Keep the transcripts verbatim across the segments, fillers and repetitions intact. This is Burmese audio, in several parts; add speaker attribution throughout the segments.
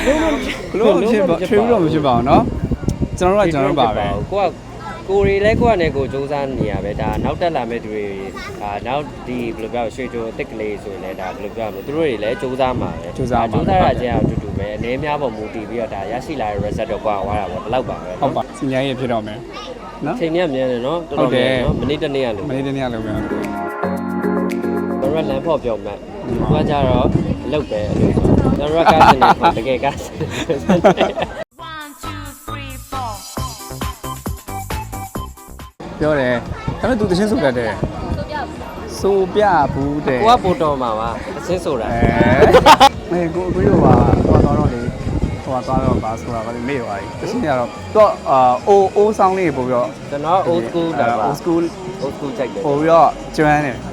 Speaker 1: ကလို့ဖြစ်ပါထွေးလို့မဖြစ်ပါဘူးเนาะကျွန်တော်တို့ကကျွန်တော်တို့ပါပဲ
Speaker 2: ကိုကကိုရီလဲကိုကနဲ့ကိုစူးစမ်းနေရပဲဒါနောက်တက်လာမဲ့သူတွေဒါနောက်ဒီဘယ်လိုပြောရွှေချိုအစ်စ်ကလေးဆိုရင်လည်းဒါဘယ်လိုပြောမလဲသူတို့တွေလည်းစူးစမ်းမှာပဲ
Speaker 1: စူးစမ်းမှာ
Speaker 2: စူးစမ်းရခြင်းအတူတူပဲအနေများပေါ်မူတည်ပြီးတော့ဒါရရှိလာတဲ့ result တော့ကွာသွားတာပေါ့ဒီလောက်ပါပဲ
Speaker 1: ဟုတ်ပါစီညာရေးဖြစ်တော့မယ်
Speaker 2: နော်ချိန်ကြီးကမြန်တယ်နော်တော်တော်မြန်နော်မိနစ်တစ်နေ့ရလို့
Speaker 1: မိနစ်တစ်နေ့ရလို့ပဲ
Speaker 2: ကျွန်တော်ကလမ်းဖော်ပြောမယ်ကိုကကြတော့အလုပ်ပဲအလုပ်ကျွန်တော်ကကားစင်နေတကယ်ကားစင်
Speaker 1: ပြောတယ်ဒါပေမဲ့ तू တချင်းဆိုတတ်တယ်ဆိုပြဘူးတဲ့
Speaker 2: ကိုကပို့တော်မှာပါအချင်းဆိုတာ
Speaker 1: အဲမေကိုကိုရောပါတော့တော့လေဟိုသွားတော့ပါဆိုတာကလည်းမေ့သွားပြီတချင်းရတော့တော့အာအိုအိုးဆောင်လေးပို့ပြီးတော့
Speaker 2: ကျွန်တော် old school တာပါ
Speaker 1: old school
Speaker 2: old school ကြိုက်တယ်
Speaker 1: ပို့ပြီးတော့ကျွမ်းတယ်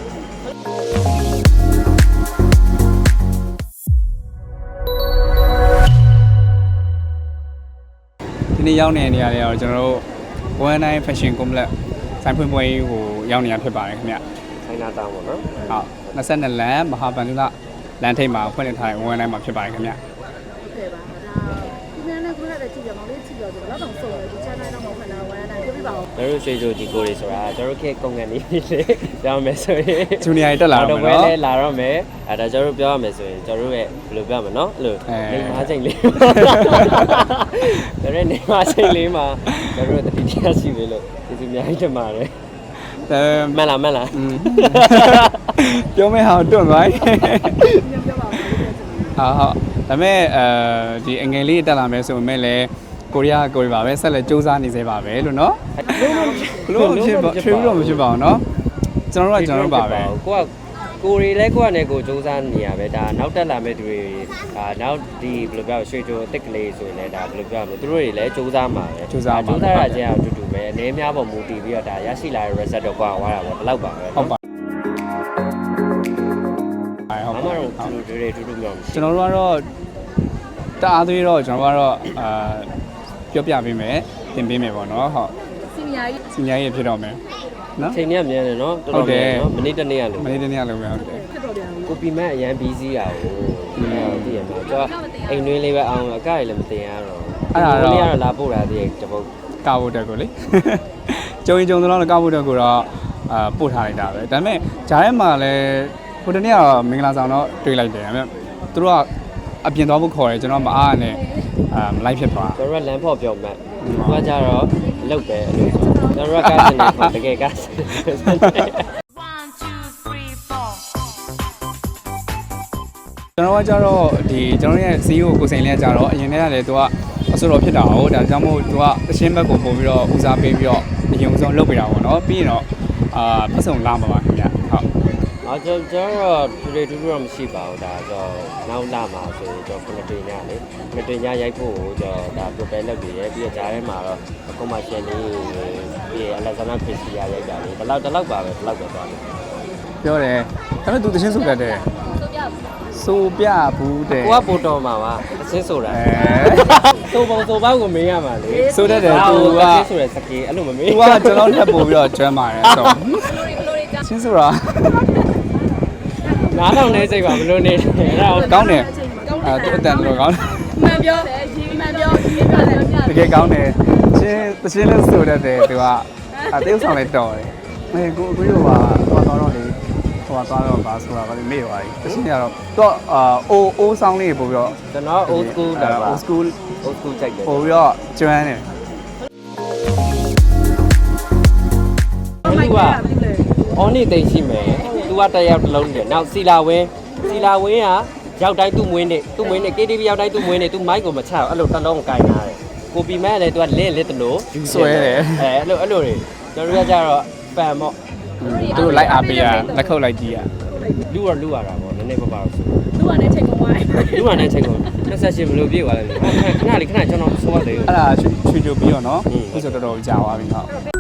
Speaker 1: ဒီနေ့ရောက်နေတဲ့နေရာလေးကတော့ကျွန်တော်တို့one nine fashion complex ဆိုင်ဖွင့်ပွဲကိုရောက်နေတာဖြစ်ပါတယ်ခင်ဗျ
Speaker 2: ။ဆိုင်နာတောင်းပါနော်။
Speaker 1: ဟုတ်နှစ်ဆက်နှစ်လမ်းမဟာဗန္ဓုလလမ်းထိပ်မှာဖွင့်လှစ်ထားတဲ့one nineမှာဖြစ်ပါတယ်ခင်ဗျ
Speaker 3: ။ဟုတ်ကဲ့ပါ။ဒါဒီနေ့နဲ့ခုနကကြည့်ကြမောင်လေးကြည့်တော့ကျွန်တော်တော့ဆုံးတယ်ဒီ channel တော့မဟုတ်လားone nineပြောပြပါဦး
Speaker 2: ။ကျွန်တော်ရွှေချိုဒီကိုတွေဆိုတာကျွန်တော်ခေတ်ကုန်ကန်နေလေပြောမယ်ဆိုရင်
Speaker 1: ဂျူနီယာတက်လာတော့မယ်
Speaker 2: နော်။တော့ပဲလာတော့မယ်။အဲဒါကျွန်တော်ပြောရမယ်ဆိုရင်ကျွန်တော်ရဲ့ဘယ်လိုပြောမလဲနော်။အဲ့လိုနေမချိန်လေး။ဒါနဲ့နေမချိန်လေးမှာကျွန်တော်တို့တတိယရှိပြီလို့ကျေးဇူးအများကြီးတင်ပါတယ်။
Speaker 1: အဲ
Speaker 2: မန်လားမန်လား
Speaker 1: ပြောမယ့်ဟာတွန့်သွားပြီပြောပါဦးဟာဟုတ်ဒါပေမဲ့အဲဒီအငယ်လေးတက်လာမယ်ဆိုပေမဲ့လည်းကိုရီးယားကိုရီးပါပဲဆက်လက်စူးစမ်းနေသေးပါပဲလို့နော်ဘလို့ဖြစ်ပါထွေးလို့မဖြစ်ပါဘူးเนาะကျွန်တော်တို့ကကျွန်တော်တို့ပါပဲ
Speaker 2: ကိုကကိုရီလဲကိုကနဲ့ကိုစူးစမ်းနေရပဲဒါနောက်တက်လာမဲ့သူတွေဒါနောက်ဒီဘယ်လိုပြောရွှေချိုအစ်စ်ကလေးဆိုရင်လည်းဒါဘယ်လိုပြောမလဲသူတို့တွေလည်းစူးစမ်းမှာပဲ
Speaker 1: စူးစမ်း
Speaker 2: စူးစမ်းရခြင်းအတူတူပဲအနေများပေါ်မူတည်ပြီးတော့ဒါရရှိလာတဲ့ result တော့ကွာသွားတာပေါ့ဒီလောက်ပါပဲ
Speaker 1: ဟုတ်ပါ
Speaker 2: အမှန်တော့သူတို့တွေတူတူမျိုးမရှိ
Speaker 1: ကျွန်တော်တို့ကတော့တအားသေးတော့ကျွန်တော်တို့ကတော့အာပြောပြပေးမယ်သင်ပေးမယ်ပေါ့နော်ဟုတ်
Speaker 3: စီနီယာကြီး
Speaker 1: စီနီယာကြီးဖြစ်တော့မယ်
Speaker 2: နော်ချိန်ကြီးကမြန်တယ်နော်တော်တော်မြန်နော်မိနစ်တစ်နေ့ရလို့
Speaker 1: မိနစ်တစ်နေ့ရလို့ပဲဟုတ်တယ်
Speaker 3: ဖြစ်တော့ပြန်
Speaker 2: ကိုပီမတ်အရန်ဘီစီးတာကိုသိရမှာကျွန်တော်အိမ်တွင်းလေးပဲအောင်အကရလည်းမတင်ရတော့
Speaker 1: အဲ့ဒါတော့
Speaker 2: လေးကတော့လာပို့တာတည်းတပုတ်
Speaker 1: ကာဖို့တက်ကိုလေကျုံရင်ကျုံတော့ကာဖို့တက်ကိုတော့အာပို့ထားလိုက်တာပဲဒါပေမဲ့ဂျားထဲမှာလည်းဟိုတနေ့ကတော့မင်္ဂလာဆောင်တော့တွေ့လိုက်တယ်ဒါပေမဲ့သူတို့ကအပြင်သွားဖို့ခေါ်တယ်ကျွန်တော်မအားနဲ့အာမလိုက်ဖြစ်သွား
Speaker 2: ကျွန်တော်ကလမ်းဖော်ပြောမှတ်ကိုကကြတော့အလုပ်ပဲအလုပ်ကျွန်တော်ကကားစင်နေတကယ်ကားစင်
Speaker 1: ကျွန်တော်ကကြတော့ဒီကျွန်တော်ရဲ့စီးကိုကိုစိန်လေးကကြတော့အရင်တည်းကလည်းသူကအဆိုတော်ဖြစ်တာဟုတ်ဒါကြောင့်မို့သူကအရှင်းဘက်ကိုပို့ပြီးတော့ဦးစားပေးပြီးတော့အရင်ဆုံးလုပ်ပေးတာပေါ့နော်ပြီးရင်တော့အာပတ်စုံလာမှာပါခင်ဗျဟုတ်
Speaker 2: အော်ကျွန်တော်တော့တူတူတူတော့မရှိပါဘူးဒါဆိုနောက်လာမှာဆိုရင်ကျွန်တော်ခုနှစ်တွင်ညလေခုနှစ်တွင်ညရိုက်ဖို့ကျွန်တော်ဒါ prepare လုပ်ပြီးရပြီးတော့ဂျားထဲမှာတော့ commercial လေးပြီးအလက်ဇန္ဒခရစ်စတီယာရိုက်တာလေဒီလောက်ဒီလောက်ပါပဲဒီလောက်ပဲသွားတယ်
Speaker 1: ပြောတယ်ဒါပေမဲ့ तू တချင်းဆိုတတ်တယ်ဆိုပြဘူးတဲ့
Speaker 2: ကိုကပို့တော်မှာပါအချင်းဆိုတာဆိုပုံဆိုပေါက်ကိုမေးရမှာလေ
Speaker 1: ဆိုတတ်တယ် तू က
Speaker 2: ဆိုရယ်စကေးအဲ့လိုမမေး
Speaker 1: तू ကကျွန်တော်လက်ပို့ပြီးတော့ကျွမ်းပါတယ်ဆိုချင်းဆိုတာ
Speaker 2: နားထောင်နေစိတ်ပါဘလို့နေအဲ့ဒါ
Speaker 1: ကောင်းတယ်အဲသူအတန်တော်ကောင်းတယ်
Speaker 3: မှန်ပြောရေးမှန်ပြောရေးပြတယ်
Speaker 1: တကယ်ကောင်းတယ်ချင်းတချင်းလေးဆိုတတ်တယ် तू ကအသေးဆောင်လေးတော်တယ်အဲကိုကိုရောပါတော့တော့လေဟိုသွားတော့ပါဆိုတာကလည်းမေ့သွားပြီတချင်းရတော့တော့အာအိုအိုးဆောင်လေးပို့ပြီးတော့
Speaker 2: ကျွန်တော် old school တာပါ
Speaker 1: old school
Speaker 2: old school ကြိုက်တယ်
Speaker 1: ပို့ပြီးတော့ကျွမ်းတယ်
Speaker 2: သူကအော်နေတိတ်ရှိမယ်သူကတက်ရောက်တစ်လုံးတယ်နောက်စီလာဝင်းစီလာဝင်းကရောက်တိုင်းသူ့မွေးနေသူ့မွေးနေ ကေ တီ ဗီ ရောက်တိုင်းသူ့မွေးနေသူ့မိုက်ကိုမချအဲ့လိုတစ်လုံးကိုင်ထားတယ်ကိုပီမတ်လည်းသူကလင်းလစ်တလို့
Speaker 1: ယူဆွဲတယ်
Speaker 2: အဲအဲ့လိုအဲ့လိုတွေကျွန်တော်တို့ကကြတော့ပန်ပေါ့
Speaker 1: သူတို့လိုက်အားပေးရလက်ခုပ်လိုက်ကြည့်ရ
Speaker 2: လူရလူရတာပေါ့နည်းနည်းပါပါတော့ဆို
Speaker 3: လူကလည်းချိန်ကုန်သွားတယ်
Speaker 2: လူကလည်းချိန်ကုန်နှစ်ဆက်ရှင်ဘယ်လိုပြေးသွားလဲခဏလေးခဏကျွန်တော်ဆိုရတယ်
Speaker 1: အဲ့ဒါချွချွပြီးတော့နော်ခုဆိုတော်တော်ကြာသွားပြီဟုတ်